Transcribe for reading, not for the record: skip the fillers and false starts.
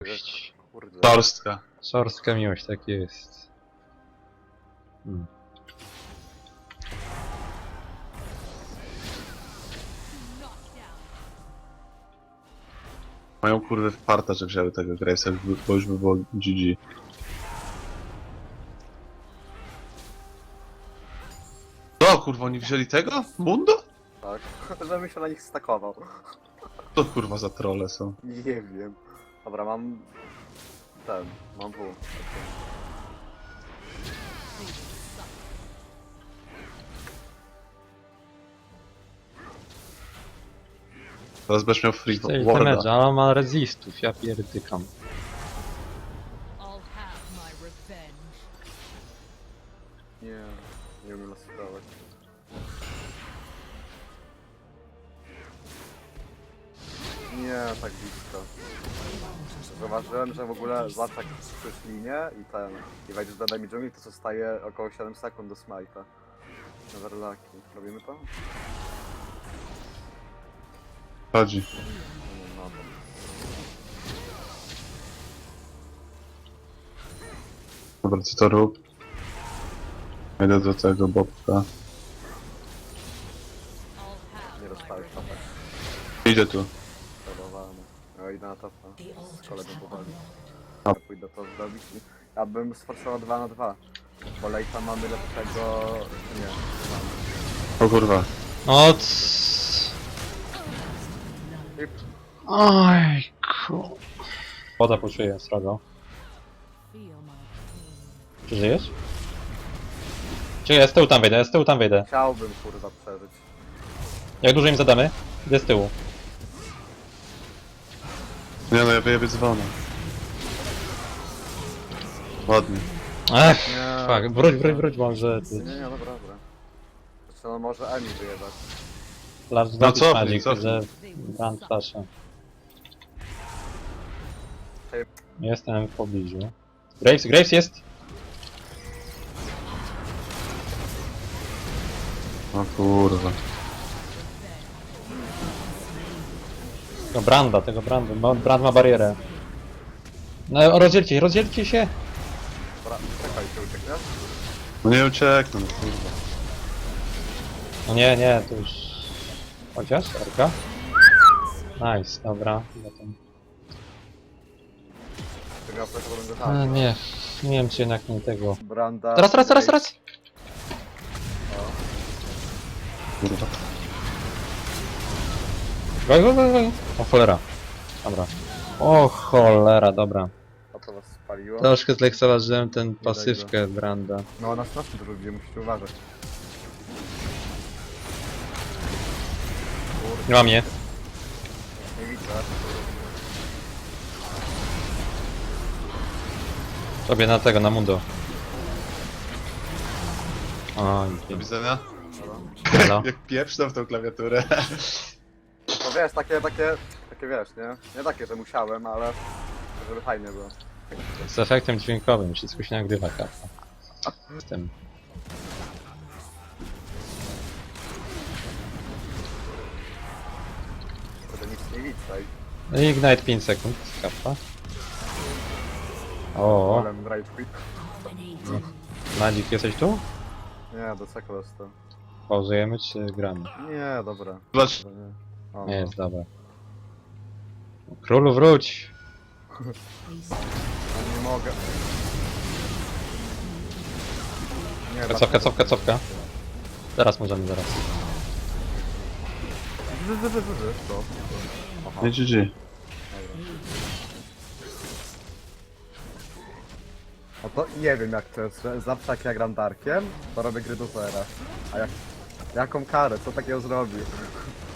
Kurde. Torstka. Szorska miłość, tak jest. Mają kurwy wparta, że wzięły tego Gravesa, bo już by było GG. No kurwa, oni wzięli tego? Mundo? Tak, żebym się na nich stakował. To kurwa za trolle są. Nie wiem. Dobra, mam... mam W. Teraz będziesz miał free Chcesz warda. damage, ale on ma resistów, ja pierdykam. I'll have my revenge. Nie umiem lasować. Nie, tak blisko. Zauważyłem, że w ogóle zawsze jak słyszysz linię i wejdziesz do enemy dżungli, to zostaje około 7 sekund do smite'a. Neverlaki. Robimy to? Chodzi. No to. Dobra, co to rób? Idę do tego bobka. I'll Nie have my dostałeś revenge. topek. Idzie tu. Zadowolony. Ja idę na topa. Z kolegą powoli. A. Ja pójdę to zrobić i... Ja bym sforsował 2 na 2. Bo lejta mamy lepszego... Nie, mamy. O kurwa. O I Oj, ku... Woda poczuję, srogo. Feel my pain. Czy żyjesz? Czy ja z tyłu tam wejdę, ja z tyłu tam wejdę. chciałbym kurwa przeżyć. Jak dużo im zadamy? Idę z tyłu. Nie no, ja wyjebię dzwona. Ładnie. Ech, Nie. fuck, wróć może. Nie, dobra, dobra. Znaczy, no może Emi wyjebać. Flash No zrobić cofnij, magic, cofnij. że... Brand flasha. Jestem w pobliżu. Graves jest! O kurwa. Tego Branda, bo Brand ma barierę. No rozdzielcie się! Dobra, czekaj, ty uciekniesz? No nie ucieknę, no kurwa. No nie, to już... Chociaż, Erka? Nice, dobra. Potem... Ty miał flash, bo będę A, tam. nie wiem czy jednak nie tego. Branda... Teraz! Kurwa. Go! O cholera. Dobra. O cholera, dobra. A to was spaliło? Troszkę zlekceważyłem ten pasywkę Branda. No na strasznie dużo ludzi, musicie uważać. Nie ma mnie. Nie widzę. Sobie na mundo. Oj, Do widzenia. Halo. Jak pieprznę w tą klawiaturę. No wiesz, takie wiesz, nie? Nie takie, że musiałem, ale... żeby fajnie było. Z efektem dźwiękowym, wszystko się nagrywa, karta. Z tym. Kurde, nic nie widzę. Ignite 5 sekund, karta. O, Ale rage quit. Magic jesteś tu? Nie, do cekla to. Pauzujemy czy gramy? Nie, dobra. Zobacz. Dobra, nie. O, Nie jest, dobra. Królu wróć! nie mogę. Nie, Cofka. Zaraz możemy, zaraz. To. Aha, Nie GG. no to nie wiem jak to jest, że zawsze jak ja gram Darkiem, to robię gry do zera. A jak... Jaką karę? Co takiego zrobi?